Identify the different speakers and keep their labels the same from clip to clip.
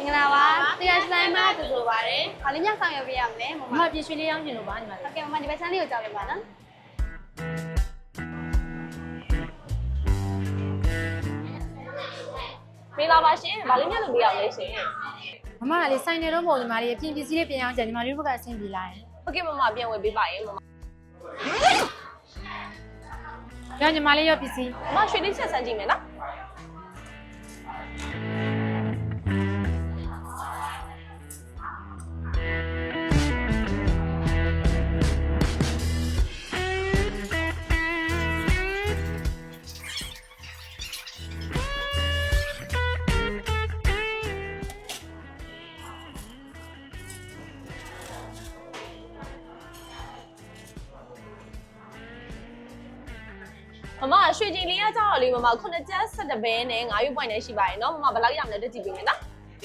Speaker 1: င်္ဂလာပါတရားဆိုင်မှာတူတူပါတယ်။ဘာလို့ညဆောင်ရွက်ပေးရမလဲမမ။
Speaker 2: မပြည့်ရွှေလေးရောင်းချင်လို့ပါညီမလေး
Speaker 1: ဟုတ်ကဲ့မမဒီဘက်ဆန်းလေးကိုကြောက်လိုက်ပါနော်
Speaker 3: မင်္ဂလာပါရှင်။ဘာလို့ညလုပ်ပေးရမလဲရှင်
Speaker 2: မမကလေးဆိုင်နေတော့မဟုတ်ညီမလေးအပြင်ပစ္စည်းလေးပြင်အောင်ကြညီမလေးတို့ဘက်ကအဆင်ပြေလာရင်
Speaker 3: ။ဟုတ်ကဲ့မမပြန်ဝယ်ပေးပါရဲ့မမ
Speaker 2: ရောညီမလေးရောပစ္စည်း
Speaker 3: ။မမရွှေလေးချက်ဆန်းကြည့်မယ်နော် မမရွှေကြည်လေးကကြောက်တော့လေမမ9ကျပ်17ဘဲနဲ့9ရွက်ပွိုင်နဲ့ရှိပါရဲ့နော်မမဘယ်လောက်ရမလဲတက်ကြည့်ပေးမယ်နော်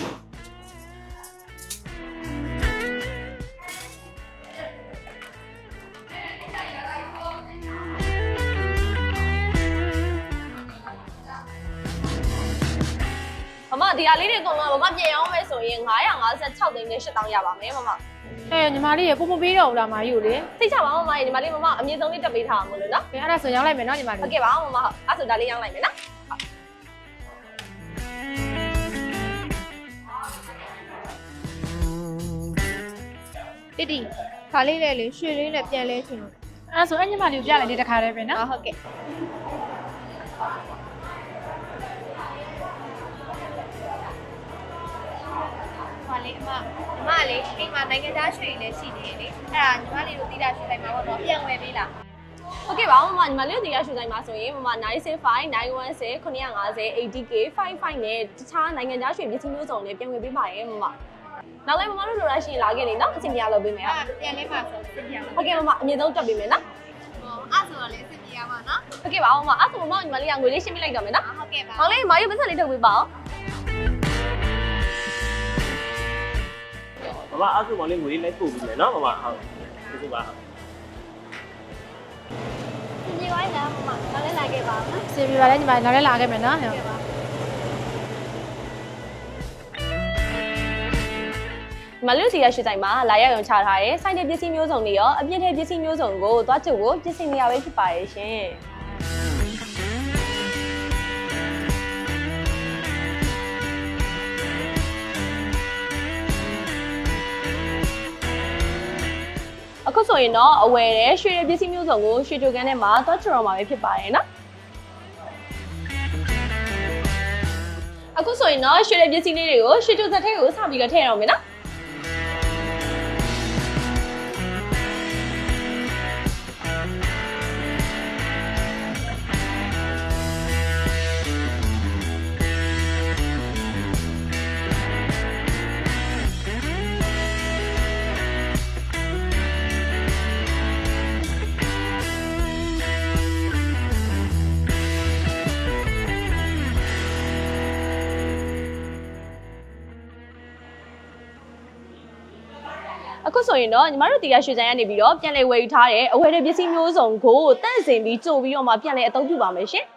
Speaker 3: မမဒီဟာလေးတွေအကုန်လုံးမမပြင်အောင်မယ်ဆိုရင်956သိန်းနဲ့8000ရပါမယ်မမ
Speaker 2: ညီမလေးရပို့ပေးတော့ဦးလားမကြီးကိုလေ
Speaker 3: သိချပါမမညီမလေးမမအမြင့်ဆုံးလေးတက်ပေးထားမှာလို့နော်
Speaker 2: အဲ့ဒါဆိုရောင်းလိုက်မယ်နော်ညီမလေး
Speaker 3: ဟုတ်ကဲ့ပါမမအဲ့ဆိုဒါလေးရောင်းလိုက်မယ်နော်
Speaker 1: တိတိခါလေးလေးလေးရွှေလေးနဲ့ပြန်လဲချင်လို့
Speaker 2: အဲ့ဒါဆိုအဲ့ညီမလေးကိုပြလိုက်တဲ့တခါတည်းပဲနော်
Speaker 1: ဟုတ်ကဲ့ဟာလေအမလေးအိမ်မှာနိုင်ငံသားရွှေလည်းရှိနေတယ်လေအဲ့ဒါညီမလေးတို့တိတာရွှေတိုင်းမှာပေါ့နော်ပြန်ဝယ်ပေးလား
Speaker 3: ဟုတ်ကဲ့ပါမမညီမလေးတို့ဒီရရွှေဆိုင်မှာဆိုရင်မမ965 910 950 80k 55နဲ့တခြားနိုင်ငံခြားရွှေပစ္စည်းမျိုးစုံနဲ့ပြန်ဝယ်ပေးပါရဲ့မမနောက်လည်းမမတို့လိုရရှိရင်လာခဲ့နေနော်အစီအမရလုပ်ပေးမယ်
Speaker 1: ပြန်လဲပါဆိုစစ်ပြရမှာ
Speaker 3: ဟုတ်ကဲ့မမအမြင့်ဆုံးတက်ပေးမယ်နော်
Speaker 1: အဲ့ဆိုတော့လေစစ်ပြရမှာနော်
Speaker 3: ဟုတ်ကဲ့ပါမမအဲ့ဆိုမမညီမလေးကငွေလေးရှင်းပြလိုက်တော့မယ်နော်
Speaker 1: ဟုတ်ကဲ့ပါ
Speaker 3: နောက်လေးမမရုပ်ပတ်စံလေးထုတ်ပေးပါဦး
Speaker 4: မမအားစုမောင်လေးငွေလေးလိုက်ပို့ပြီးမယ်နော်မမဟုတ်ကျေးဇူးပါ
Speaker 1: ညီဝိုင်းလားမမနောက်လည်းလာခဲ့ပါနော်
Speaker 2: အဆင်ပြေပါလေညီမလေးနောက်လည်းလာခဲ့မယ်နော်
Speaker 3: မလူစီရရွှေဆိုင်မှာလာရောက်ရုံချထားတဲ့စိုင်းတဲ့ပစ္စည်းမျိုးစုံတွေရောအပြည့်တဲ့ပစ္စည်းမျိုးစုံကိုသွားချုပ်ကိုပြင်ဆင်နေရပဲဖြစ်ပါရဲ့ရှင်အခုဆိုရင်တော့အဝယ်တဲ့ရွှေတဲ့ပစ္စည်းမျိုးစုံကိုရွှေကြိုကန်ထဲမှာသွားချုပ်တော့မှာပဲဖြစ်ပါရဲ့နော်အခုဆိုရင်တော့ရွှေတဲ့ပစ္စည်းလေးတွေကိုရွှေကြိုစက်ထဲကိုစပြီးတော့ထည့်ရအောင်မယ်နော်အခုဆိုရင်တော့ညီမတို့တရားရွှေဆိုင်ကနေပြီးတော့ပြန်လည်ဝယ်ယူထားတဲ့အဝယ်တဲ့ပစ္စည်းမျိုးစုံကိုတန့်စင်ပြီးကြိုပြီးတော့မှပြန်လည်အသုံးပြုပါမယ်ရှင်